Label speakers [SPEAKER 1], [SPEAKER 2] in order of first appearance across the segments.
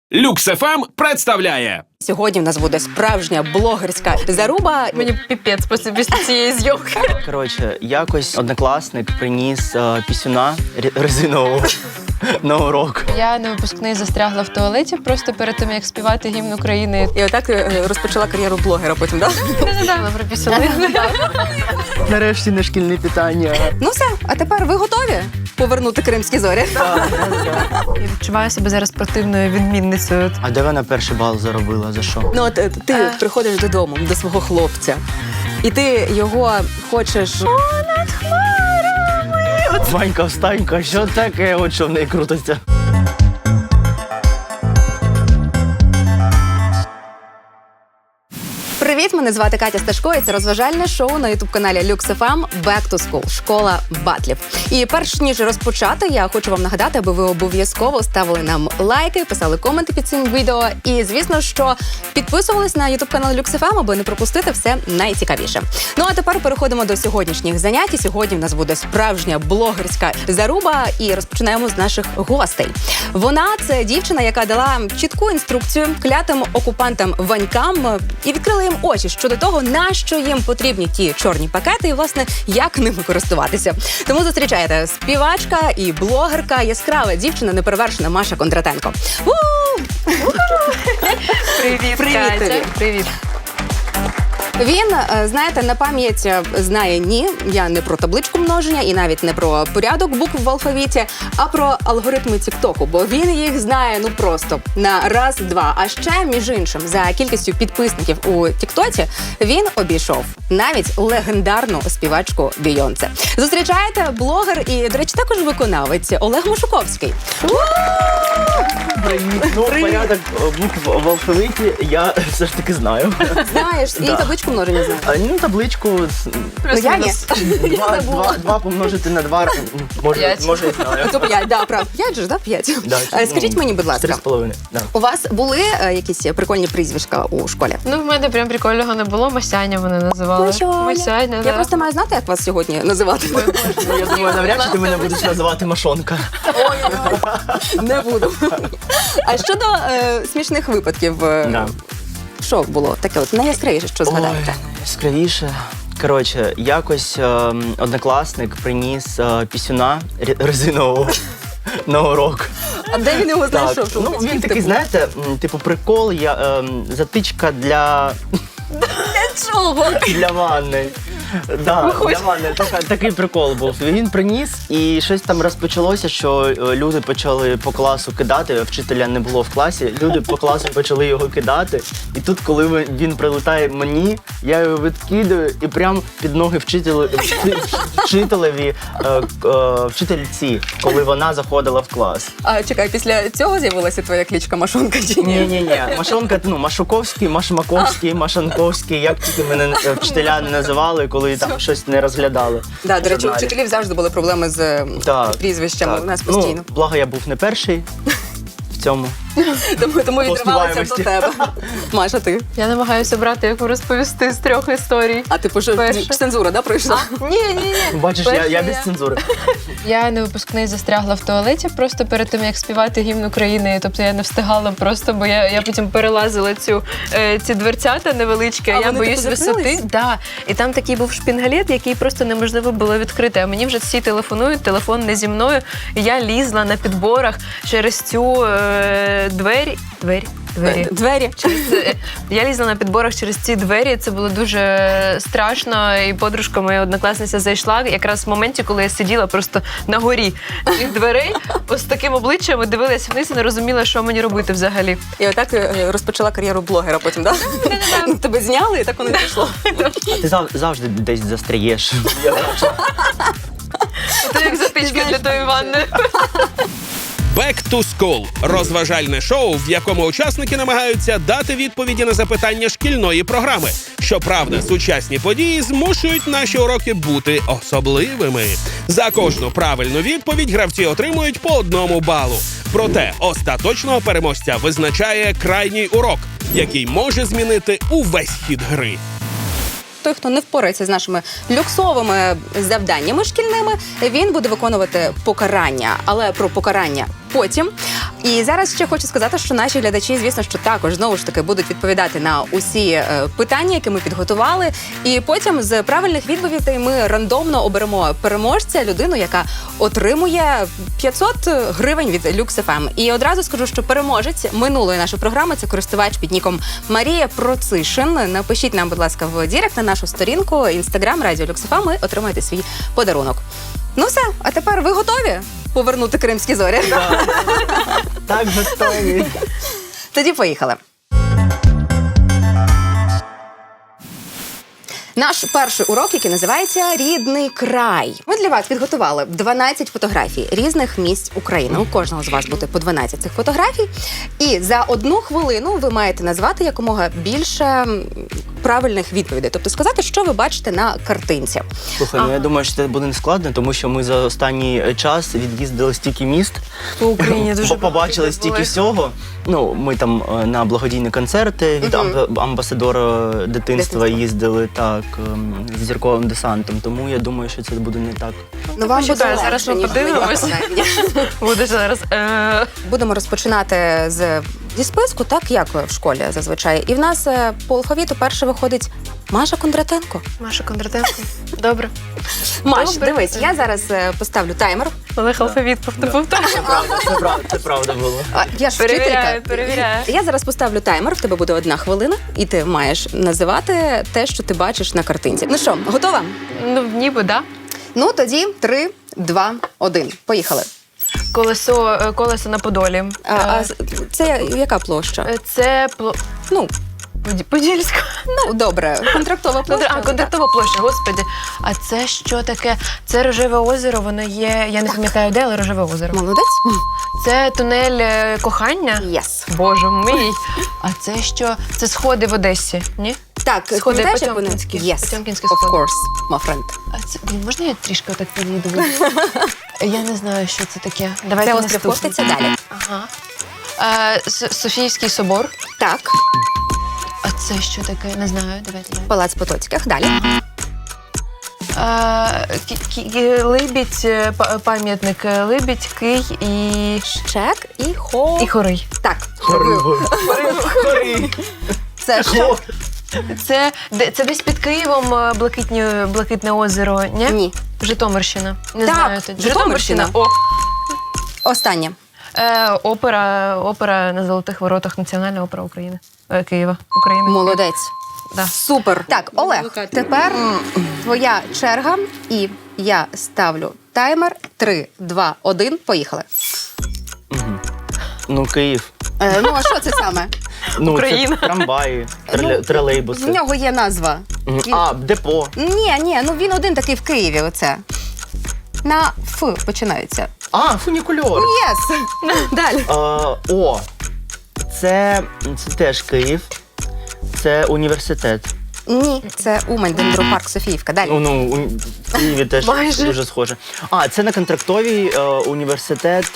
[SPEAKER 1] Люкс ФМ представляє.
[SPEAKER 2] Сьогодні в нас буде справжня блогерська заруба.
[SPEAKER 3] Мені піпець після цієї зйомки.
[SPEAKER 4] Коротше, якось однокласник приніс пісюна резинового на урок.
[SPEAKER 3] Я на випускний застрягла в туалеті просто перед тим, як співати гімн України.
[SPEAKER 2] І отак ти розпочала кар'єру блогера потім, так?
[SPEAKER 3] Не про пісюни.
[SPEAKER 4] Нарешті не шкільні питання.
[SPEAKER 2] Ну все, а тепер ви готові повернути кримські зорі?
[SPEAKER 3] Я відчуваю себе зараз противною відмінницею.
[SPEAKER 4] А де вона перший бал заробила? За що?
[SPEAKER 2] Ну от ти приходиш додому до свого хлопця, і ти його хочеш...
[SPEAKER 4] Ванька, встанька, що таке? От що в неї крутиться.
[SPEAKER 2] Привіт, мене звати Катя Сташко, і це розважальне шоу на ютуб-каналі Люкс ФМ Back to School – Школа батлів. І перш ніж розпочати, я хочу вам нагадати, аби ви обов'язково ставили нам лайки, писали коменти під цим відео і, звісно, що підписувались на ютуб-канал Люкс ФМ, аби не пропустити все найцікавіше. Ну а тепер переходимо до сьогоднішніх занять. І сьогодні в нас буде справжня блогерська заруба, і розпочинаємо з наших гостей. Вона – це дівчина, яка дала чітку інструкцію клятим окупантам Ванькам і відкрила їм очі щодо того, на що їм потрібні ті чорні пакети і, власне, як ними користуватися. Тому зустрічайте співачка і блогерка, яскрава дівчина, неперевершена Маша Кондратенко.
[SPEAKER 3] Привіт,
[SPEAKER 2] Привіт
[SPEAKER 3] Катя.
[SPEAKER 2] тобі.
[SPEAKER 3] Привіт.
[SPEAKER 2] Він, знаєте, на пам'ять знає ні, я не про табличку множення і навіть не про порядок букв в алфавіті, а про алгоритми Тіктоку, бо він їх знає ну просто на раз-два. А ще, між іншим, за кількістю підписників у Тіктоці він обійшов навіть легендарну співачку Бійонсе. Зустрічаєте блогер і, до речі, також виконавець Олег Машуковський.
[SPEAKER 4] Привіт. Ну, порядок букв в алфавіті я все ж таки знаю.
[SPEAKER 2] Знаєш, і
[SPEAKER 4] Да.
[SPEAKER 2] табличку множення знає.
[SPEAKER 4] Ну, табличку
[SPEAKER 2] Ну, я ні.
[SPEAKER 4] два помножити на 2, може
[SPEAKER 3] П'ять.
[SPEAKER 4] і знаю.
[SPEAKER 2] То 5, да, правда. 5 же ж, да? 5.
[SPEAKER 4] Да,
[SPEAKER 2] Скажіть мені, будь ласка,
[SPEAKER 4] 3,5. Да.
[SPEAKER 2] у вас були якісь прикольні прізвишка у школі?
[SPEAKER 3] Ну, в мене прям прикольного не було. Масяня мене називали. Масяня,
[SPEAKER 2] Я
[SPEAKER 3] да.
[SPEAKER 2] просто маю знати, як вас сьогодні називати.
[SPEAKER 4] Ну, я думаю, навряд чи ти мене будеш називати Машонка.
[SPEAKER 2] Не буду. А щодо смішних випадків,
[SPEAKER 4] Да.
[SPEAKER 2] що було таке от найяскравіше, що згадаєте?
[SPEAKER 4] Яскравіше. Коротше, якось однокласник приніс пісюна резинового на урок.
[SPEAKER 2] А де він його
[SPEAKER 4] Так,
[SPEAKER 2] знайшов?
[SPEAKER 4] ну він такий, знаєте, типу прикол, затичка для
[SPEAKER 2] Чого?
[SPEAKER 4] для ванни. Да, для ванни. Такий прикол був. Він приніс, і щось там розпочалося, що люди почали по класу кидати, а вчителя не було в класі. Люди по класу почали його кидати. І тут, коли він прилетає мені, я його відкидаю і прямо під ноги вчительці, коли вона заходила в клас.
[SPEAKER 2] А чекай, після цього з'явилася твоя кличка Машонка чи ні?
[SPEAKER 4] Ні. Машонка, ну, Машуковський, Машмаковський, Машанковський, як тільки мене вчителя не називали, коли там щось не розглядали.
[SPEAKER 2] Да, до речі, у
[SPEAKER 4] журналі.
[SPEAKER 2] вчителів завжди були проблеми з
[SPEAKER 4] Так,
[SPEAKER 2] прізвищами.
[SPEAKER 4] так.
[SPEAKER 2] У нас постійно.
[SPEAKER 4] Ну, благо я був не перший в цьому.
[SPEAKER 2] Тому відривалася до
[SPEAKER 4] співаємості.
[SPEAKER 2] тебе. Маша, ти?
[SPEAKER 3] Я намагаюся брати, яку розповісти з 3 історій.
[SPEAKER 2] А ти що,
[SPEAKER 3] Перше.
[SPEAKER 2] цензура, да, пройшла?
[SPEAKER 3] Ні.
[SPEAKER 4] Бачиш, я без цензури.
[SPEAKER 3] Я на випускний застрягла в туалеті просто перед тим, як співати гімн України. Тобто я не встигала просто, бо я потім перелазила ці дверцята невеличкі,
[SPEAKER 2] А
[SPEAKER 3] я
[SPEAKER 2] вони
[SPEAKER 3] боюсь
[SPEAKER 2] типу
[SPEAKER 3] висоти.
[SPEAKER 2] закрились?
[SPEAKER 3] Да. І там такий був шпінгалет, який просто неможливо було відкрити. А мені вже всі телефонують, телефон не зі мною. І я лізла на підборах через цю двері. Я лізла на підборах через ці двері, це було дуже страшно, і подружка моя однокласниця зайшла якраз в моменті, коли я сиділа просто на горі цих дверей, ось з таким обличчям і дивилась вниз і не розуміла, що мені робити взагалі.
[SPEAKER 2] І отак ти розпочала кар'єру блогера потім, так? Да? Тебе зняли, і так воно і пішло.
[SPEAKER 4] А ти завжди десь застряєш.
[SPEAKER 3] Це як затичка для тої ванни.
[SPEAKER 1] Back to School – розважальне шоу, в якому учасники намагаються дати відповіді на запитання шкільної програми. Щоправда, сучасні події змушують наші уроки бути особливими. За кожну правильну відповідь гравці отримують по 1 балу. Проте остаточного переможця визначає крайній урок, який може змінити увесь хід гри.
[SPEAKER 2] той, хто не впорається з нашими люксовими завданнями шкільними, він буде виконувати покарання. Але про покарання потім. І зараз ще хочу сказати, що наші глядачі, звісно, що також знову ж таки будуть відповідати на усі питання, які ми підготували. І потім з правильних відповідей ми рандомно оберемо переможця, людину, яка отримує 500 гривень від Lux FM. І одразу скажу, що переможець минулої нашої програми – це користувач під ніком Марія Процишин. Напишіть нам, будь ласка, в дірект на нашу сторінку Instagram Радіо Lux FM і отримаєте свій подарунок. Ну все, а тепер ви готові повернути кримські зорі?
[SPEAKER 4] Так, готові.
[SPEAKER 2] Тоді поїхали. Наш перший урок, який називається «Рідний край». Ми для вас підготували 12 фотографій різних місць України. У кожного з вас буде по 12 цих фотографій. І за 1 хвилину ви маєте назвати якомога більше правильних відповідей. Тобто сказати, що ви бачите на картинці.
[SPEAKER 4] Слухай, ну я думаю, що це буде не складно, тому що ми за останній час від'їздили стільки міст.
[SPEAKER 3] По Україні дуже
[SPEAKER 4] побачили
[SPEAKER 3] багато
[SPEAKER 4] стільки
[SPEAKER 3] були.
[SPEAKER 4] всього. Ну, ми там на благодійні концерти від амбасадора дитинства їздили, так, з зірковим десантом. Тому я думаю, що це буде не так.
[SPEAKER 2] Ну, вам буде
[SPEAKER 3] Почекай, зараз
[SPEAKER 2] легше,
[SPEAKER 3] ми
[SPEAKER 2] ніж
[SPEAKER 3] подивимось.
[SPEAKER 2] мені.
[SPEAKER 3] Буде зараз.
[SPEAKER 2] Будемо розпочинати зі списку, так як в школі зазвичай. І в нас по алфавіту перше виходить Маша Кондратенко.
[SPEAKER 3] Маша Кондратенко. Добре.
[SPEAKER 2] Маш,
[SPEAKER 3] Добре.
[SPEAKER 2] дивись, я зараз поставлю таймер.
[SPEAKER 3] Олег алфавіт повторює.
[SPEAKER 4] Це правда було.
[SPEAKER 2] Я ж
[SPEAKER 3] Перевіряю,
[SPEAKER 2] вчителька.
[SPEAKER 3] перевіряю.
[SPEAKER 2] Я зараз поставлю таймер, в тебе буде 1 хвилина, і ти маєш називати те, що ти бачиш на картинці. Ну що, готова?
[SPEAKER 3] Ну, ніби, да.
[SPEAKER 2] Ну, тоді 3, 2, 1. Поїхали.
[SPEAKER 3] Колесо на Подолі.
[SPEAKER 2] Це яка площа?
[SPEAKER 3] Це
[SPEAKER 2] Ну,
[SPEAKER 3] Подільська.
[SPEAKER 2] ну добре, контрактова площа.
[SPEAKER 3] Контрактова площа, господи. А це що таке? Це Рожеве озеро, воно є, я не пам'ятаю де, але Рожеве озеро.
[SPEAKER 2] Молодець.
[SPEAKER 3] Це тунель кохання?
[SPEAKER 2] Yes.
[SPEAKER 3] Боже мій. А це що? Це сходи в Одесі, ні?
[SPEAKER 2] Так,
[SPEAKER 3] Сходи
[SPEAKER 2] пам'ятаєш, як вони?
[SPEAKER 3] Потьомкінські.
[SPEAKER 2] Yes,
[SPEAKER 3] Потьомкінські
[SPEAKER 2] of
[SPEAKER 3] сходи.
[SPEAKER 2] course, my friend.
[SPEAKER 3] А це, можна я трішки отак підійду? Я не знаю, що це таке.
[SPEAKER 2] Це
[SPEAKER 3] Давайте
[SPEAKER 2] острів
[SPEAKER 3] наступне.
[SPEAKER 2] Хортиця, далі.
[SPEAKER 3] Ага. Софійський собор.
[SPEAKER 2] Так,
[SPEAKER 3] А це що таке? Не знаю, давайте.
[SPEAKER 2] Палац Потоцьких, далі.
[SPEAKER 3] Либідь, пам'ятник Либідь, Кий і
[SPEAKER 2] Щек і хо.
[SPEAKER 3] Хорий.
[SPEAKER 2] Так.
[SPEAKER 4] Хори.
[SPEAKER 2] Це що?
[SPEAKER 3] Це десь під Києвом Блакитне озеро, ні?
[SPEAKER 2] Ні.
[SPEAKER 3] Житомирщина. Не
[SPEAKER 2] Так,
[SPEAKER 3] знаю. тоді.
[SPEAKER 2] Житомирщина.
[SPEAKER 3] О.
[SPEAKER 2] Останнє.
[SPEAKER 3] Опера на Золотих Воротах, Національна опера України. Києва, України.
[SPEAKER 2] Молодець.
[SPEAKER 3] Да.
[SPEAKER 2] Супер. Так, Олег, тепер твоя черга, і я ставлю таймер. 3, 2, 1, поїхали.
[SPEAKER 4] Ну, Київ.
[SPEAKER 2] Ну, а що це саме?
[SPEAKER 4] Ну,
[SPEAKER 3] Україна.
[SPEAKER 4] це трамваї,
[SPEAKER 2] В
[SPEAKER 4] тролейбуси.
[SPEAKER 2] нього є назва.
[SPEAKER 4] А, депо.
[SPEAKER 2] Ні, ну він один такий в Києві, оце. На Ф починається.
[SPEAKER 4] А, фунікульор.
[SPEAKER 2] Єс! Далі.
[SPEAKER 4] О, це теж Київ. Це університет.
[SPEAKER 2] Ні, це Умань, Дендропарк, Софіївка. Далі.
[SPEAKER 4] Ну, в Києві теж
[SPEAKER 3] Майже.
[SPEAKER 4] дуже схоже. А, це на контрактовій університет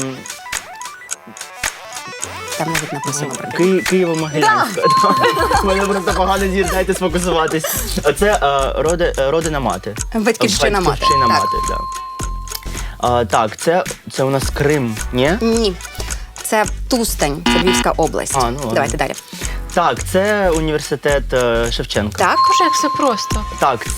[SPEAKER 2] Там навіть написано про
[SPEAKER 4] Києво-Могилянська. У мене просто погано зір, дайте сфокусуватись. Це родина мати.
[SPEAKER 2] Батьківщина мати.
[SPEAKER 4] Батьківщина
[SPEAKER 2] Так.
[SPEAKER 4] мати, так. Так, це у нас Крим, ні?
[SPEAKER 2] Ні. Це Тустань, це Львівська область.
[SPEAKER 4] А, ну ладно.
[SPEAKER 2] Давайте далі.
[SPEAKER 4] Так, це університет Шевченка.
[SPEAKER 2] Так.
[SPEAKER 3] Боже, як все просто.
[SPEAKER 4] Так,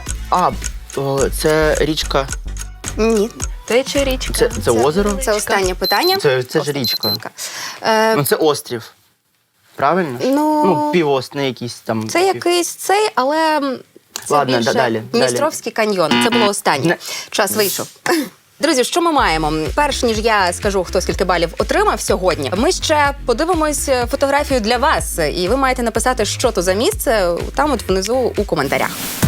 [SPEAKER 4] це річка.
[SPEAKER 2] Ні.
[SPEAKER 3] Тече річка.
[SPEAKER 4] Це озеро?
[SPEAKER 2] Це останнє питання.
[SPEAKER 4] Це ж
[SPEAKER 2] Остання
[SPEAKER 4] річка.
[SPEAKER 2] питанка.
[SPEAKER 4] Ну, це острів. Правильно?
[SPEAKER 2] Ну,
[SPEAKER 4] півострів якийсь там.
[SPEAKER 2] це якийсь цей, але це
[SPEAKER 4] Ладно,
[SPEAKER 2] більше
[SPEAKER 4] далі.
[SPEAKER 2] Дністровський каньйон. Це було останнє.
[SPEAKER 4] Не.
[SPEAKER 2] Час вийшов. Друзі, що ми маємо? Перш ніж я скажу, хто скільки балів отримав сьогодні, ми ще подивимось фотографію для вас, і ви маєте написати, що то за місце, там от внизу у коментарях.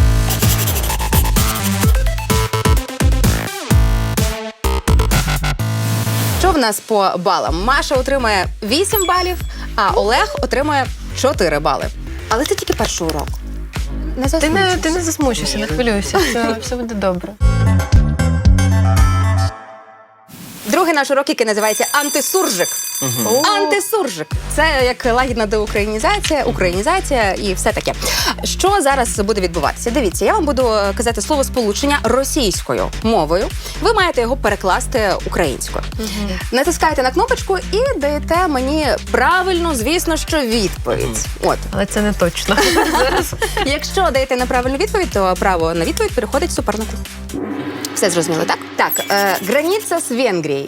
[SPEAKER 2] Що в нас по балам? Маша отримає 8 балів, а Олег отримає 4 бали. Але це тільки перший урок. Не засмучуйся.
[SPEAKER 3] Ти не засмучуйся, не хвилюйся. Все буде добре.
[SPEAKER 2] Другий наш урок, який називається антисуржик. Антисуржик. Це як лагідна українізація і все таке. Що зараз буде відбуватися? Дивіться, я вам буду казати словосполучення російською мовою. Ви маєте його перекласти українською. Натискаєте на кнопочку і даєте мені правильно, звісно, що відповідь. От.
[SPEAKER 3] Але це не точно.
[SPEAKER 2] Якщо даєте неправильну відповідь, то право на відповідь переходить супернику. Все зрозуміло, так? Так, границя з Венгрією.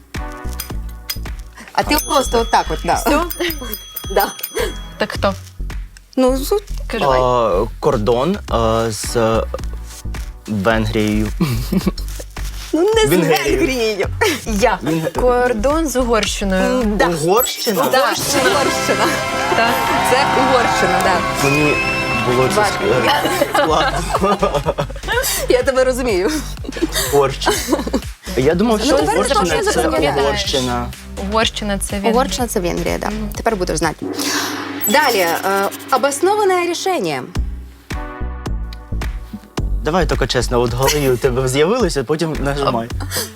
[SPEAKER 2] А ти просто отак от, да.
[SPEAKER 3] Все?
[SPEAKER 2] Да.
[SPEAKER 3] Так хто?
[SPEAKER 2] Ну,
[SPEAKER 3] Кажи.
[SPEAKER 4] Кордон з Венгрією.
[SPEAKER 2] ну не з
[SPEAKER 4] Венгрією.
[SPEAKER 2] Венгрією.
[SPEAKER 3] Я. Кордон з Угорщиною.
[SPEAKER 2] Да.
[SPEAKER 4] Угорщина?
[SPEAKER 2] Да, Угорщина.
[SPEAKER 3] Так.
[SPEAKER 2] Це Угорщина, да.
[SPEAKER 4] Мені було це складно.
[SPEAKER 2] Я тебе розумію.
[SPEAKER 4] Угорщина. Я думав, що
[SPEAKER 2] тепер ти
[SPEAKER 4] Угорщина
[SPEAKER 2] точно
[SPEAKER 4] це
[SPEAKER 2] запам'ятаєш.
[SPEAKER 4] Угорщина.
[SPEAKER 3] Угорщина це він.
[SPEAKER 2] Угорщина – це Венгрія, да. Тепер будеш знати. Далі. Обоснованне рішення.
[SPEAKER 4] Давай тільки чесно, от в голові у тебе з'явилося, потім нажимай.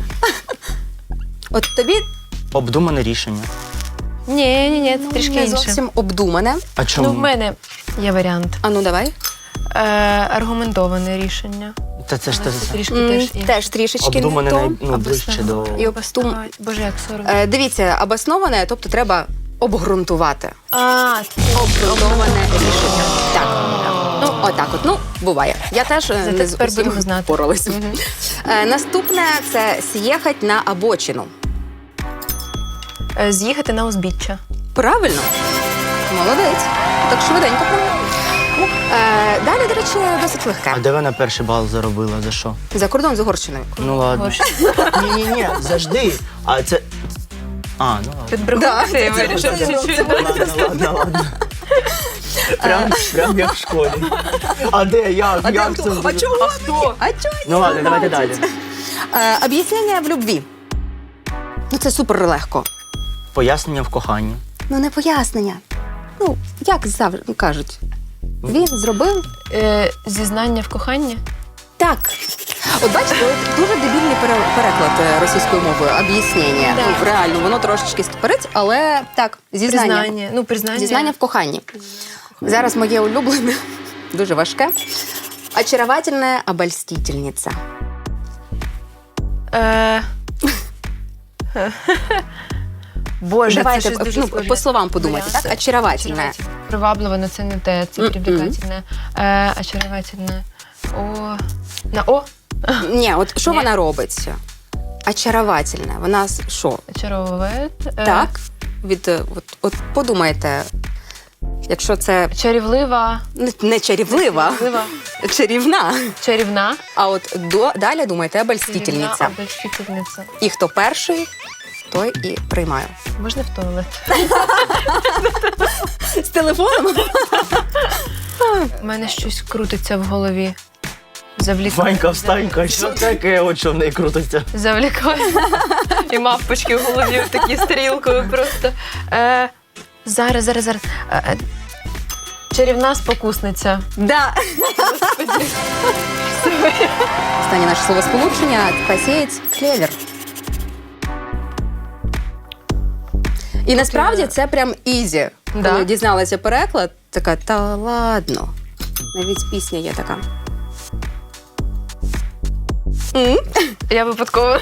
[SPEAKER 2] От тобі
[SPEAKER 4] Обдумане рішення.
[SPEAKER 3] Ні, це трішки
[SPEAKER 2] не
[SPEAKER 3] інше.
[SPEAKER 2] зовсім обдумане.
[SPEAKER 4] А чому?
[SPEAKER 3] Ну, в мене є варіант.
[SPEAKER 2] А ну, давай.
[SPEAKER 3] Аргументоване рішення.
[SPEAKER 4] Та це ж те.
[SPEAKER 3] Це трішки теж інше.
[SPEAKER 2] Теж трішечки
[SPEAKER 4] Обдумане
[SPEAKER 2] не то.
[SPEAKER 4] ближче до...
[SPEAKER 2] І обстум...
[SPEAKER 3] Боже, як соромно.
[SPEAKER 2] Дивіться, обосноване, тобто треба обґрунтувати.
[SPEAKER 3] Обґрунтоване
[SPEAKER 2] рішення. Так. Ну, отак от. Ну, буває. Я теж не з
[SPEAKER 3] тепер
[SPEAKER 2] усім
[SPEAKER 3] будемо знати.
[SPEAKER 2] впоралась. Наступне – це «з'їхати на обочину».
[SPEAKER 3] З'їхати на узбіччя.
[SPEAKER 2] Правильно? Молодець. Так швиденько правильно. Далі, до речі, досить легке.
[SPEAKER 4] А де вона перший бал заробила? За що?
[SPEAKER 2] За кордон з Угорщиною.
[SPEAKER 4] Ну ладно. Ні, завжди. А це... А, ну ладно.
[SPEAKER 3] Підбрехати
[SPEAKER 2] Да,
[SPEAKER 3] я
[SPEAKER 2] це
[SPEAKER 3] вирішив
[SPEAKER 2] це
[SPEAKER 3] чуть-чуть.
[SPEAKER 4] Ладно. Прям як в школі. А де? Як це буде?
[SPEAKER 3] А хто?
[SPEAKER 2] А чого?
[SPEAKER 4] Ну ладно, давайте далі.
[SPEAKER 2] Об'яснення в любві. Ну, це супер легко.
[SPEAKER 4] Пояснення в коханні.
[SPEAKER 2] Ну, не пояснення. Ну, як завжди кажуть. Він зробив
[SPEAKER 3] Зізнання в коханні?
[SPEAKER 2] так. От бачите, от дуже дебільний переклад російською мовою, об'яснення.
[SPEAKER 3] Да.
[SPEAKER 2] Ну, реально, воно трошечки стопорить, але так, зізнання.
[SPEAKER 3] Ну, признання.
[SPEAKER 2] Зізнання в коханні. Зараз моє улюблене, дуже важке. Очаровательная обольстительница.
[SPEAKER 3] Боже,
[SPEAKER 2] Давайте
[SPEAKER 3] це щось дуже
[SPEAKER 2] ну,
[SPEAKER 3] схоже.
[SPEAKER 2] по словам подумайте, так? Очаровательная.
[SPEAKER 3] Привабливо, но це не те, це привлекательне. Очаровательне. О. На О?
[SPEAKER 2] Ні, от що
[SPEAKER 3] Ні.
[SPEAKER 2] вона робить? Очаровательна. Вона що?
[SPEAKER 3] Очаровує.
[SPEAKER 2] Так? От подумайте, якщо це
[SPEAKER 3] Чарівлива.
[SPEAKER 2] не чарівлива,
[SPEAKER 3] Чарівлива.
[SPEAKER 2] чарівна.
[SPEAKER 3] Чарівна.
[SPEAKER 2] А от далі думайте, обольстительниця.
[SPEAKER 3] Чарівна обольстительниця.
[SPEAKER 2] І хто перший, той і приймає.
[SPEAKER 3] Можна в туалет?
[SPEAKER 2] З телефоном?
[SPEAKER 3] У мене щось крутиться в голові. Завлікає.
[SPEAKER 4] Ванька, встанька, що таке, от що в неї крутиться?
[SPEAKER 3] Завлікає. І мавпочки в голові такі стрілкою просто. Зараз. Чарівна спокусниця.
[SPEAKER 2] Да. Останнє наше словосполучення посіять клевер. І насправді це прям ізі.
[SPEAKER 3] Да.
[SPEAKER 2] Коли дізналася переклад, така, та ладно. Навіть пісня є така.
[SPEAKER 3] Я випадково.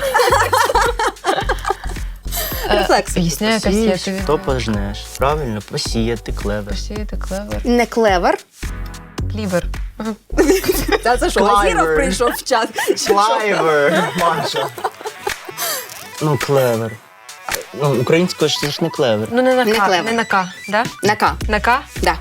[SPEAKER 2] Рефлекс.
[SPEAKER 3] Пісня якась є.
[SPEAKER 4] Посієш, то пожнеш. Правильно, посіяти клевер.
[SPEAKER 3] Посіяти клевер.
[SPEAKER 2] Не клевер.
[SPEAKER 3] Клівер.
[SPEAKER 2] Та це що,
[SPEAKER 4] Клайвер.
[SPEAKER 2] Азіров прийшов в чат?
[SPEAKER 4] Клевер, Маша. Ну, клевер. Ну, українською ж це ж не клевер.
[SPEAKER 3] Ну, не на
[SPEAKER 2] Не
[SPEAKER 3] К.
[SPEAKER 2] клевер.
[SPEAKER 3] Не на К, да?
[SPEAKER 2] На К.
[SPEAKER 3] На К?
[SPEAKER 2] Да.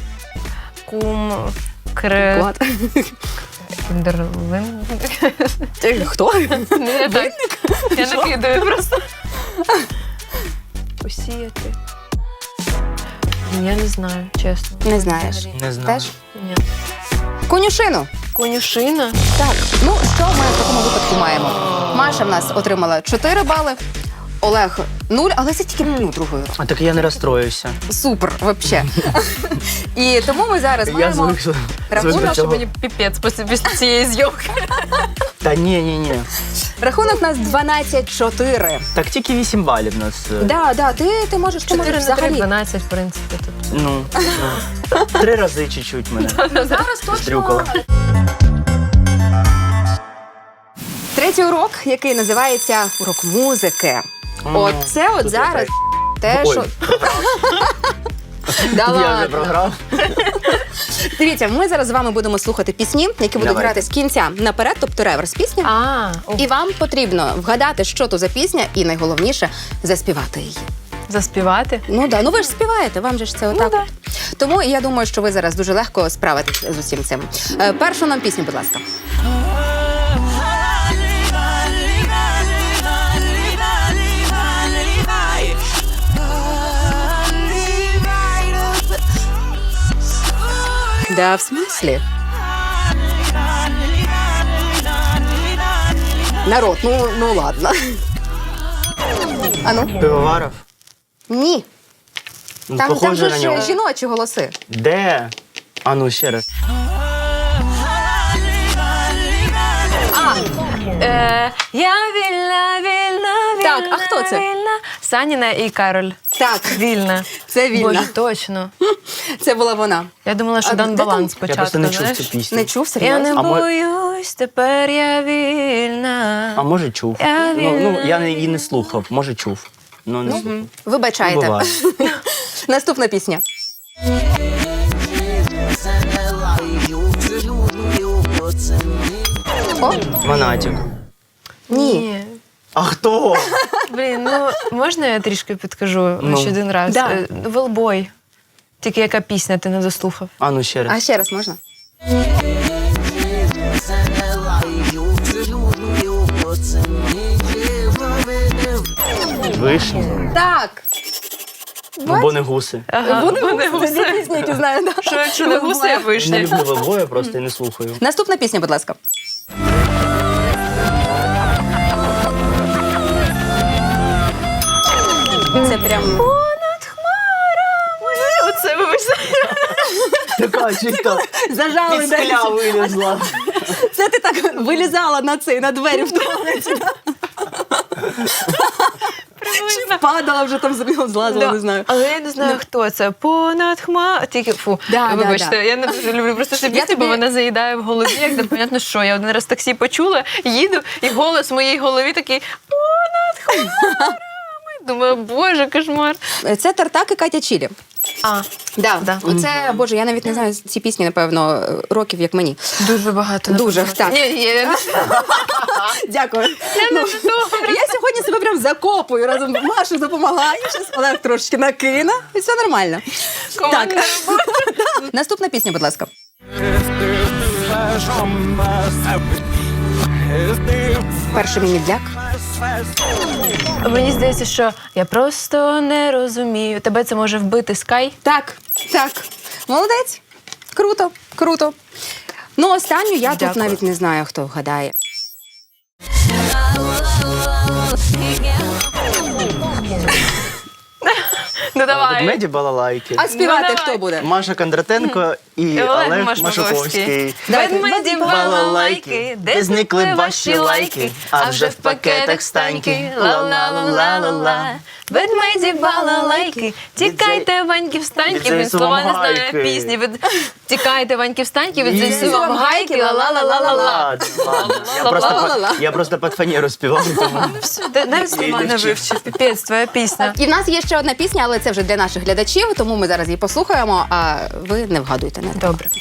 [SPEAKER 2] Клад.
[SPEAKER 3] Кіндерлин.
[SPEAKER 2] Хто?
[SPEAKER 3] Не так. Я накидаю просто. Посіяти. Я не знаю, чесно.
[SPEAKER 2] Не знаєш.
[SPEAKER 3] Взагалі.
[SPEAKER 4] Не знаю.
[SPEAKER 2] Теж?
[SPEAKER 3] Ні.
[SPEAKER 2] Конюшину.
[SPEAKER 3] Конюшина.
[SPEAKER 2] Так, ну що ми в такому випадку маємо? Маша в нас отримала 4 бали, Олег 0, але це тільки другою.
[SPEAKER 4] А так я не розстроївся.
[SPEAKER 2] Супер, взагалі. І тому ми зараз
[SPEAKER 4] Я
[SPEAKER 2] маємо
[SPEAKER 4] звик до
[SPEAKER 2] рахунок,
[SPEAKER 4] цього.
[SPEAKER 3] Що мені піпець після цієї зйомки.
[SPEAKER 4] Та ні.
[SPEAKER 2] Рахунок у нас 12-4.
[SPEAKER 4] Так тільки 8 балів у нас.
[SPEAKER 2] Да, ти можеш
[SPEAKER 3] 4 на 3,
[SPEAKER 2] взагалі.
[SPEAKER 3] 12, в принципі. Тобто.
[SPEAKER 4] Ну, 3 рази чуть-чуть мене.
[SPEAKER 2] Зараз точно.
[SPEAKER 4] Стрюкало.
[SPEAKER 2] Третій урок, який називається урок музики. От це от зараз те,
[SPEAKER 4] Ой,
[SPEAKER 2] що... Да
[SPEAKER 4] я вже
[SPEAKER 2] ладно.
[SPEAKER 4] програв.
[SPEAKER 2] Дивіться, ми зараз з вами будемо слухати пісні, які будуть
[SPEAKER 4] Давайте.
[SPEAKER 2] грати з кінця наперед, тобто реверс пісні. І вам потрібно вгадати, що то за пісня, і найголовніше заспівати її.
[SPEAKER 3] Заспівати.
[SPEAKER 2] Ну да, ну ви ж співаєте, вам же ж це отак.
[SPEAKER 3] да.
[SPEAKER 2] От. Тому я думаю, що ви зараз дуже легко справитесь з усім цим. Першу нам пісню, будь ласка. Да, в смислі? Народ, ну ладно. А ну?
[SPEAKER 4] Пивоваров?
[SPEAKER 2] Ні.
[SPEAKER 4] Ну,
[SPEAKER 2] Там
[SPEAKER 4] похоже
[SPEAKER 2] же
[SPEAKER 4] на
[SPEAKER 2] ж
[SPEAKER 4] нього.
[SPEAKER 2] жіночі голоси.
[SPEAKER 4] Де? А ну ще раз.
[SPEAKER 3] Я вільна, вільна, вільна.
[SPEAKER 2] Так, а хто це?
[SPEAKER 3] Вільна. Саніна і Кароль.
[SPEAKER 2] Так,
[SPEAKER 3] Вільна.
[SPEAKER 2] це вільно.
[SPEAKER 3] Боже, точно.
[SPEAKER 2] Це була вона.
[SPEAKER 3] Я думала, що
[SPEAKER 2] А
[SPEAKER 3] Дан
[SPEAKER 2] де
[SPEAKER 3] Балан
[SPEAKER 2] там?
[SPEAKER 3] спочатку,
[SPEAKER 4] Я просто не чув
[SPEAKER 3] знаєш?
[SPEAKER 4] цю пісню.
[SPEAKER 2] Не чув,
[SPEAKER 3] Я
[SPEAKER 2] серйозно?
[SPEAKER 3] не
[SPEAKER 4] А мо-
[SPEAKER 3] боюсь, тепер я вільна.
[SPEAKER 4] А може чув.
[SPEAKER 3] Я
[SPEAKER 4] Ну, я її не слухав, може чув. Ну, не слухав.
[SPEAKER 2] Вибачайте.
[SPEAKER 4] Буває.
[SPEAKER 2] Наступна пісня. О,
[SPEAKER 4] Монатік.
[SPEAKER 2] ні.
[SPEAKER 4] А хто?
[SPEAKER 3] Блін, ну можна я трішки підкажу
[SPEAKER 4] Ну.
[SPEAKER 3] ще один раз?
[SPEAKER 2] Да.
[SPEAKER 3] Велбой. Тільки яка пісня ти не дослухав?
[SPEAKER 4] А ну ще
[SPEAKER 2] А
[SPEAKER 4] раз.
[SPEAKER 2] ще раз можна?
[SPEAKER 4] Вишня.
[SPEAKER 2] Так.
[SPEAKER 4] Ну, бо не гуси.
[SPEAKER 3] Вони гуси.
[SPEAKER 2] Це пісні, які знаю, да.
[SPEAKER 3] Що якщо не гуси, я
[SPEAKER 4] Не
[SPEAKER 3] вишня?
[SPEAKER 4] люблю Велбоя, просто і не слухаю.
[SPEAKER 2] Наступна пісня, будь ласка. Це прям...
[SPEAKER 3] Понад хмарами. Оце вибачте.
[SPEAKER 4] Така чисто
[SPEAKER 2] Зажали
[SPEAKER 4] під
[SPEAKER 2] десь.
[SPEAKER 4] скля вилізла.
[SPEAKER 2] Це ти так вилізала на двері в туалеті. Чи падала вже там злазила, не знаю.
[SPEAKER 3] Але я не знаю, хто це. Понад хмар. Тільки фу.
[SPEAKER 2] Да,
[SPEAKER 3] Вибачте,
[SPEAKER 2] да.
[SPEAKER 3] я не дуже люблю просто цю
[SPEAKER 2] Я
[SPEAKER 3] пісню, бо
[SPEAKER 2] тобі-
[SPEAKER 3] вона заїдає в голові, як непонятно що. Я один раз в таксі почула, їду, і голос в моїй голові такий понад хмарами. Думаю, боже, кошмар.
[SPEAKER 2] Це Тартак і Катя Чілі.
[SPEAKER 3] Да.
[SPEAKER 2] Оце, боже, я навіть не знаю ці пісні, напевно, років, як мені.
[SPEAKER 3] Дуже багато.
[SPEAKER 2] Дуже,
[SPEAKER 3] напевно.
[SPEAKER 2] так.
[SPEAKER 3] Ні, я не
[SPEAKER 2] Дякую. Я сьогодні себе прям закопую разом. Машу допомагає, щас Олег трошечки накине, і все нормально.
[SPEAKER 3] Командна
[SPEAKER 2] Наступна пісня, будь ласка. Перший міні-дляк.
[SPEAKER 3] Мені здається, що я просто не розумію. Тебе це може вбити Скай.
[SPEAKER 2] Так. Молодець. Круто. Ну, останню я тут
[SPEAKER 3] Дякую.
[SPEAKER 2] навіть не знаю, хто вгадає.
[SPEAKER 3] Ну давай.
[SPEAKER 4] Ведмеді балалайки.
[SPEAKER 2] А співати
[SPEAKER 3] давай.
[SPEAKER 2] хто буде?
[SPEAKER 4] Маша Кондратенко і Олег Машуковський.
[SPEAKER 3] Ведмеді балалайки, де зникли ваші лайки, а вже в пакетах станьки, ла-ла-ла-ла-ла-ла. Ведмеді балалайки, тікайте, ваньки, встаньки, він слова не знає
[SPEAKER 4] Гайки.
[SPEAKER 3] пісні. Тікайте, ваньки, встаньки, від
[SPEAKER 4] Ні.
[SPEAKER 3] ЗСУ вам гайки, ла-ла-ла-ла-ла.
[SPEAKER 4] Ладно. Я просто під фанеру співав, тому...
[SPEAKER 3] Все, навіть слова не вивчив, піпець, твоя пісня.
[SPEAKER 2] І в нас є ще одна пісня, але це вже для наших глядачів, тому ми зараз її послухаємо, а ви не вгадуйте. Не треба.
[SPEAKER 3] Добре.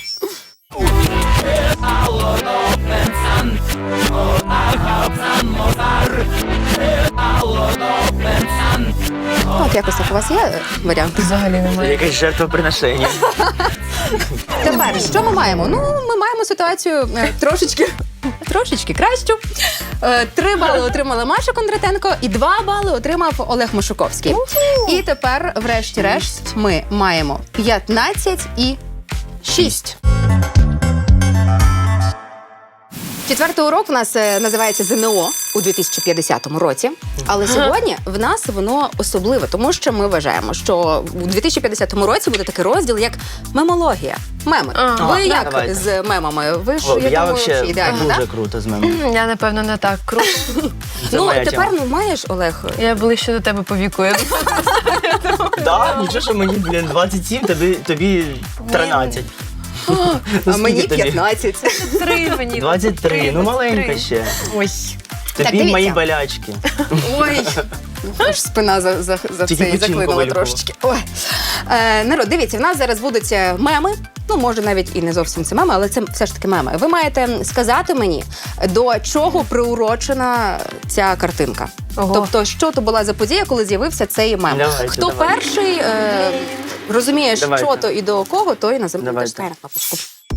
[SPEAKER 2] От якось так у вас є варіант.
[SPEAKER 3] Взагалі немає.
[SPEAKER 4] Якесь жертвоприношення.
[SPEAKER 2] Тепер, що ми маємо? Ну, ми маємо ситуацію трошечки кращу. 3 бали отримала Маша Кондратенко і 2 бали отримав Олег Машуковський. І тепер, врешті-решт, ми маємо 15 і 6. Четвертий урок у нас називається ЗНО. у 2050 році, але сьогодні в нас воно особливе, тому що ми вважаємо, що у 2050 році буде такий розділ, як мемологія. Меми. Ви як
[SPEAKER 4] давайте.
[SPEAKER 2] з мемами? Ви ж,
[SPEAKER 4] Я
[SPEAKER 2] думаю,
[SPEAKER 4] взагалі
[SPEAKER 2] ідеально,
[SPEAKER 4] дуже
[SPEAKER 2] так?
[SPEAKER 4] круто з мене.
[SPEAKER 3] Я, напевно, не так круто.
[SPEAKER 4] Це
[SPEAKER 2] Ну,
[SPEAKER 4] моя
[SPEAKER 2] тепер
[SPEAKER 4] тема.
[SPEAKER 2] маєш, Олег?
[SPEAKER 3] Я ближче до тебе по віку. Я
[SPEAKER 4] Так, нічого, що мені, 27, тобі 13.
[SPEAKER 2] А
[SPEAKER 4] Ну,
[SPEAKER 2] мені
[SPEAKER 4] скільки тобі?
[SPEAKER 2] 15.
[SPEAKER 3] 23 мені.
[SPEAKER 4] 23, ну маленька ще.
[SPEAKER 2] Ой.
[SPEAKER 4] Тобі
[SPEAKER 2] дивіться.
[SPEAKER 4] мої болячки.
[SPEAKER 2] Ой. Аж спина за
[SPEAKER 4] Тільки
[SPEAKER 2] цей
[SPEAKER 4] печінку
[SPEAKER 2] заклинула
[SPEAKER 4] вилікувала.
[SPEAKER 2] трошечки. Ой. Народ, дивіться, в нас зараз будуть меми. Ну, може, навіть і не зовсім це меми, але це все ж таки меми. Ви маєте сказати мені, до чого приурочена ця картинка.
[SPEAKER 3] Ого.
[SPEAKER 2] Тобто, що то була за подія, коли з'явився цей мем.
[SPEAKER 4] Давайте,
[SPEAKER 2] Хто
[SPEAKER 4] давайте.
[SPEAKER 2] перший розуміє,
[SPEAKER 4] Давайте.
[SPEAKER 2] що то і до кого, той
[SPEAKER 4] Давайте.
[SPEAKER 2] нажимає на кнопочку.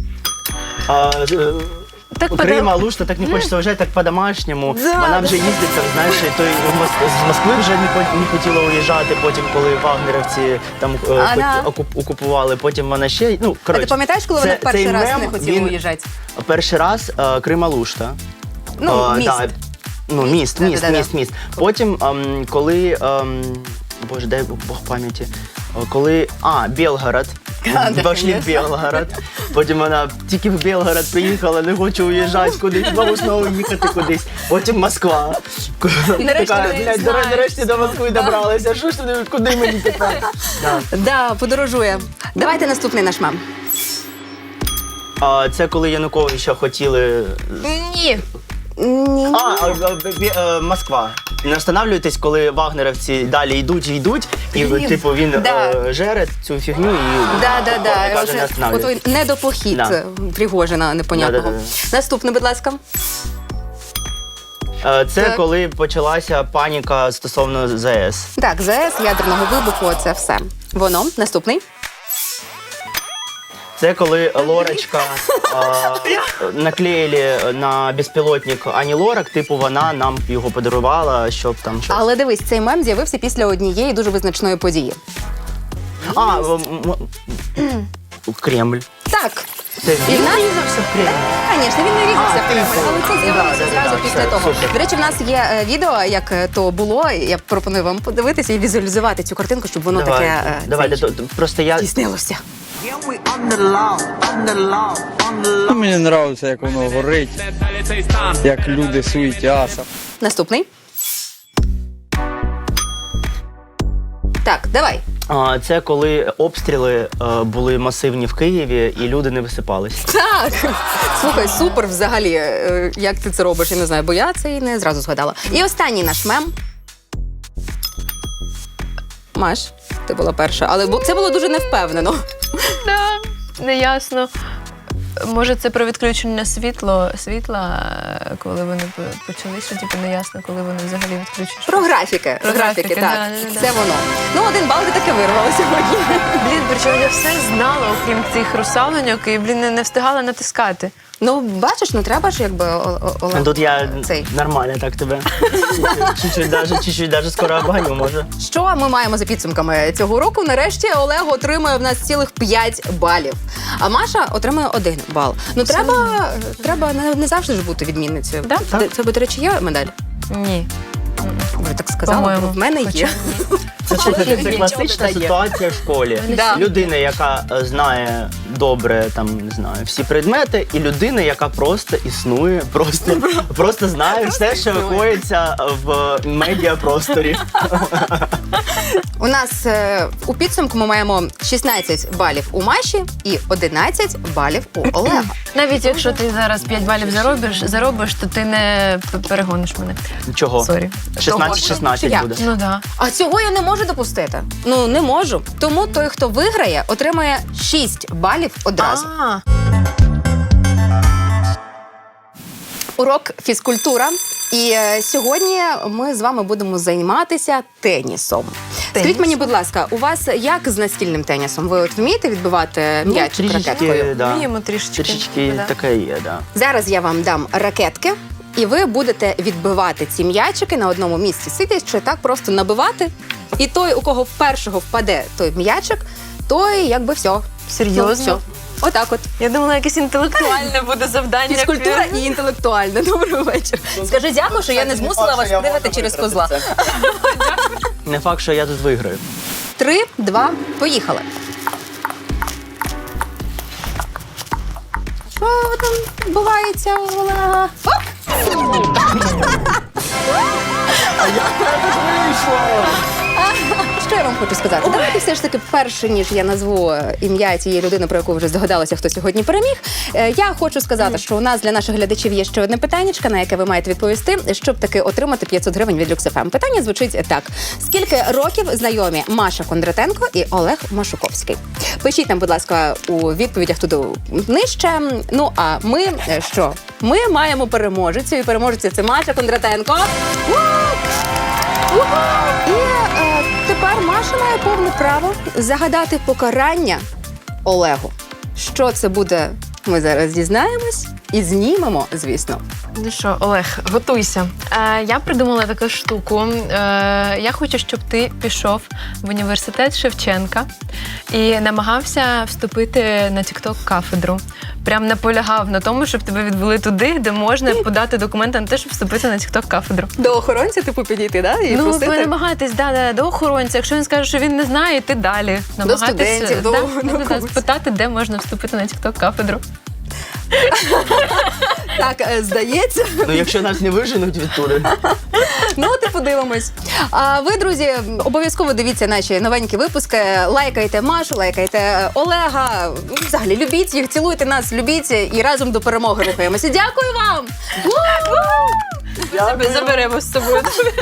[SPEAKER 3] Так
[SPEAKER 4] Крим, Алушта, так не хочеться виїжджати, так по-домашньому.
[SPEAKER 2] Да,
[SPEAKER 4] Вона
[SPEAKER 2] да.
[SPEAKER 4] вже їздить, там, знаєш, той з Москви вже не хотіла уїжджати, потім, коли вагнерівці там
[SPEAKER 2] Ага.
[SPEAKER 4] окупували, потім вона ще, ну,
[SPEAKER 2] А
[SPEAKER 4] коротше.
[SPEAKER 2] ти пам'ятаєш, коли
[SPEAKER 4] це-
[SPEAKER 2] вони перший
[SPEAKER 4] цей
[SPEAKER 2] раз
[SPEAKER 4] мем,
[SPEAKER 2] не хотіли
[SPEAKER 4] він
[SPEAKER 2] уїжджати?
[SPEAKER 4] Перший раз Крим, Алушта.
[SPEAKER 2] Ну, міст.
[SPEAKER 4] Да, ну, міст.
[SPEAKER 2] Да-да-да.
[SPEAKER 4] Потім, коли, боже, дай Бог пам'яті, коли, Белгород,
[SPEAKER 2] Да,
[SPEAKER 4] пішли в
[SPEAKER 2] конечно.
[SPEAKER 4] Белгород, потім вона тільки в Белгород приїхала, не хоче уїжджати кудись, знову їхати кудись, потім Москва.
[SPEAKER 3] Нарешті
[SPEAKER 4] Така,
[SPEAKER 3] ми
[SPEAKER 4] блядь,
[SPEAKER 3] знаємо.
[SPEAKER 4] нарешті до Москви добралися, що ж туди, куди мені тепер? Да.
[SPEAKER 2] Да, подорожує. Давайте наступний наш мем.
[SPEAKER 4] Це коли Януковича хотіли
[SPEAKER 3] Ні.
[SPEAKER 2] Ні.
[SPEAKER 4] Москва. Не встановлюйтесь, коли вагнерівці далі йдуть, і типу він
[SPEAKER 2] Да.
[SPEAKER 4] жере цю фігню і
[SPEAKER 2] Да.
[SPEAKER 4] каже, не
[SPEAKER 2] От
[SPEAKER 4] встановлюйтесь.
[SPEAKER 2] той недопохід
[SPEAKER 4] Да.
[SPEAKER 2] Пригожина непонятного.
[SPEAKER 4] Да.
[SPEAKER 2] Наступний, будь ласка.
[SPEAKER 4] Це
[SPEAKER 2] Так.
[SPEAKER 4] коли почалася паніка стосовно ЗС.
[SPEAKER 2] Так, ЗС, ядерного вибуху, це все. Воно. Наступний.
[SPEAKER 4] Це коли Лорочка наклеїли на безпілотник Ані Лорак, типу вона нам його подарувала, щоб там щось.
[SPEAKER 2] Але дивись, цей мем з'явився після однієї дуже визначної події.
[SPEAKER 4] Кремль.
[SPEAKER 2] Так.
[SPEAKER 4] Це
[SPEAKER 2] І в нас
[SPEAKER 4] врізався в Кремль.
[SPEAKER 2] Звісно, він не різався в Кремль,
[SPEAKER 4] типу.
[SPEAKER 2] але це з'явилося
[SPEAKER 4] Да,
[SPEAKER 2] зразу після
[SPEAKER 4] все,
[SPEAKER 2] того.
[SPEAKER 4] супер.
[SPEAKER 2] До речі, в нас є відео, як то було. Я пропоную вам подивитися і візуалізувати цю картинку, щоб воно таке
[SPEAKER 4] Давайте, просто я
[SPEAKER 2] здійснилося.
[SPEAKER 5] Мені подобається, як воно горить, як люди суетяться.
[SPEAKER 2] Наступний. Так, давай.
[SPEAKER 4] Це коли обстріли були масивні в Києві і люди не висипались.
[SPEAKER 2] Так. Слухай, супер взагалі. Як ти це робиш, я не знаю, бо я це і не зразу згадала. І останній наш мем. Маш, ти була перша, але це було дуже невпевнено.
[SPEAKER 3] Да, неясно. Може, це про відключення світла, коли вони почали, що типу неясно, коли вони взагалі відключать.
[SPEAKER 2] Про графіки.
[SPEAKER 3] Про графіки,
[SPEAKER 2] так.
[SPEAKER 3] да.
[SPEAKER 2] Це воно. Ну, 1 бал ти таки вирвала сьогодні.
[SPEAKER 3] Блін, причому я все знала, окрім цих русалоньок, і, блін, не встигала натискати.
[SPEAKER 2] Ну, бачиш, ну треба ж, якби, Олег.
[SPEAKER 4] Тут я
[SPEAKER 2] Цей.
[SPEAKER 4] нормально так тебе. Чуть-чуть даже скоро обганю, може.
[SPEAKER 2] Що ми маємо за підсумками цього року? Нарешті Олег отримує в нас цілих 5 балів, а Маша отримує 1 бал. Ну, треба не завжди ж бути відмінницею.
[SPEAKER 3] Да?
[SPEAKER 2] Це, до речі, є медаль?
[SPEAKER 3] Ні.
[SPEAKER 2] Ви так сказали,
[SPEAKER 3] По-моєму.
[SPEAKER 2] в мене є.
[SPEAKER 4] Це
[SPEAKER 2] Нічого
[SPEAKER 4] класична
[SPEAKER 2] не дає.
[SPEAKER 4] ситуація в школі.
[SPEAKER 2] Да.
[SPEAKER 4] Людина, яка знає добре там, не знаю, всі предмети, і людина, яка просто існує, просто знає все, що коїться в медіапросторі.
[SPEAKER 2] У нас у підсумку ми маємо 16 балів у Маші і 11 балів у Олега.
[SPEAKER 3] Навіть якщо ти зараз 5 балів заробиш, то ти не перегониш мене.
[SPEAKER 4] Чого?
[SPEAKER 3] Сорі.
[SPEAKER 4] 16-16
[SPEAKER 2] Як?
[SPEAKER 4] буде.
[SPEAKER 3] Ну да.
[SPEAKER 2] А цього я не можу допустити. Ну, не можу. Тому той, хто виграє, отримає 6 балів одразу. Урок фізкультура. І сьогодні ми з вами будемо займатися тенісом. Скажіть мені, будь ласка, у вас як з настільним тенісом? Ви от вмієте відбивати м'яч ракеткою?
[SPEAKER 4] да.
[SPEAKER 3] Вміємо трішечки.
[SPEAKER 4] Трішечки
[SPEAKER 3] Да.
[SPEAKER 4] таке є, да.
[SPEAKER 2] Зараз я вам дам ракетки, і ви будете відбивати ці м'ячики на одному місці, сидячи так просто набивати. І той, у кого першого впаде той м'ячик, той якби все.
[SPEAKER 3] Серйозно?
[SPEAKER 2] Ну, все. Отак от.
[SPEAKER 3] Я думала, якесь інтелектуальне буде завдання.
[SPEAKER 2] Фізкультура і інтелектуальна. Добрий вечір. Скажи дякую, що я не змусила вас пригати через козла.
[SPEAKER 4] Не факт, що я тут виграю.
[SPEAKER 2] 3, 2, поїхали. Що там відбувається у Олега? Оп! Що я вам хочу сказати? Давайте все ж таки, перше, ніж я назву ім'я цієї людини, про яку ви вже здогадалися, хто сьогодні переміг. Я хочу сказати, що у нас для наших глядачів є ще одне питаннячко, на яке ви маєте відповісти, щоб таки отримати 500 гривень від Lux FM. Питання звучить так. Скільки років знайомі Маша Кондратенко і Олег Машуковський? Пишіть нам, будь ласка, у відповідях туди нижче. Ну, а ми що? Ми маємо переможецю, і переможеця це Маша Кондратенко. І тепер Маша має повне право загадати покарання Олегу. Що це буде, ми зараз дізнаємось і знімемо, звісно.
[SPEAKER 3] Ну що, Олег, готуйся. Я придумала таку штуку. Я хочу, щоб ти пішов в університет Шевченка і намагався вступити на TikTok-кафедру. Прям наполягав на тому, щоб тебе відвели туди, де можна подати документи на те, щоб вступити на TikTok-кафедру.
[SPEAKER 2] До охоронця, типу, підійти, да? І
[SPEAKER 3] Ну, ви
[SPEAKER 2] просити?
[SPEAKER 3] намагаєтесь до охоронця. Якщо він скаже, що він не знає, йти далі.
[SPEAKER 2] студентів, до науковців.
[SPEAKER 3] спитати, де можна вступити на TikTok-кафедру.
[SPEAKER 2] Так, здається.
[SPEAKER 4] Ну, якщо нас не виженуть від тури.
[SPEAKER 2] Ну, от і подивимось. А ви, друзі, обов'язково дивіться наші новенькі випуски. Лайкайте Машу, лайкайте Олега. Взагалі, любіть їх, цілуйте нас, любіть і разом до перемоги рухаємося. Дякую вам!
[SPEAKER 3] Заберемо з собою.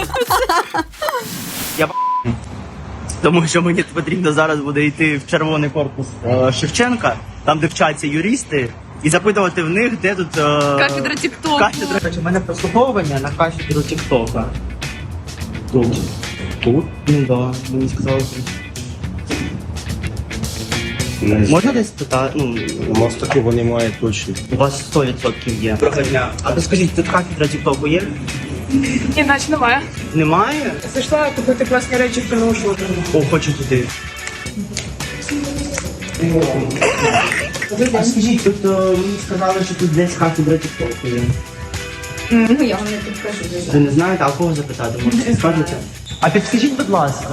[SPEAKER 4] Тому що мені потрібно зараз буде йти в червоний корпус Шевченка, там, де вчаться юристи, і запитувати в них, де тут...
[SPEAKER 3] Кафедра TikTok.
[SPEAKER 4] Кафедра. У мене прослуховування на кафедру TikTok. Тут? Тут? Ну да, мені сказали тут. Можна десь питати? Ну,
[SPEAKER 6] Мостаки вони мають точно.
[SPEAKER 4] у вас 100% є. Доброго дня. А то скажіть, тут кафедра TikTok є?
[SPEAKER 7] Іначе немає.
[SPEAKER 4] Немає?
[SPEAKER 7] Зайшла купити класні речі в приношу.
[SPEAKER 4] О, хочу туди. А скажіть, тут мені сказали, що тут десь кафедра TikTok є.
[SPEAKER 7] Ну, я вам не підкажу.
[SPEAKER 4] Ви не знаєте, а кого запитати? Може, скажете? А підскажіть, будь ласка.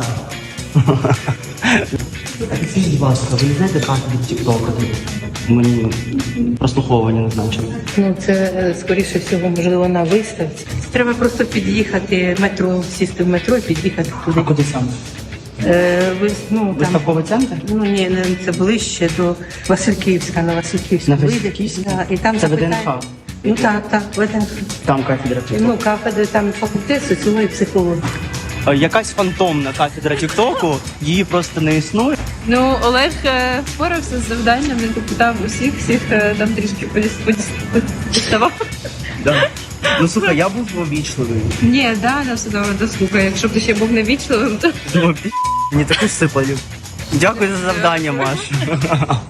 [SPEAKER 4] Підскажіть, будь ласка, ви не знаєте кафедру TikTok тут? Мені прослуховування назначили.
[SPEAKER 8] Ну, це, скоріше всього, можливо, на виставці. Треба просто під'їхати метро, сісти в метро і під'їхати
[SPEAKER 4] А
[SPEAKER 8] туди.
[SPEAKER 4] куди саме?
[SPEAKER 8] Ну, там,
[SPEAKER 4] Виставковий центр?
[SPEAKER 8] ну, ні, це ближче до Васильківська, на Васильківську.
[SPEAKER 4] На
[SPEAKER 8] вийде,
[SPEAKER 4] Васильківську?
[SPEAKER 8] да, і там
[SPEAKER 4] Це
[SPEAKER 8] запитають-
[SPEAKER 4] ВДНХ?
[SPEAKER 8] Ну, так, ВДНХ.
[SPEAKER 4] Там кафедра TikTok.
[SPEAKER 8] Ну, кафедри, там факультет соціології, психології.
[SPEAKER 4] Якась фантомна кафедра TikTok, її просто не існує.
[SPEAKER 7] Ну, Олег впорався з завданням, він попитав всіх там трішки діставав.
[SPEAKER 4] Да. Ну, слухай, я був обічливий.
[SPEAKER 7] Ні, да, все добре, дослухай. Якщо б ти ще був невічливим, то
[SPEAKER 4] Думаю, мені таку сипали. Дякую за завдання, Маш.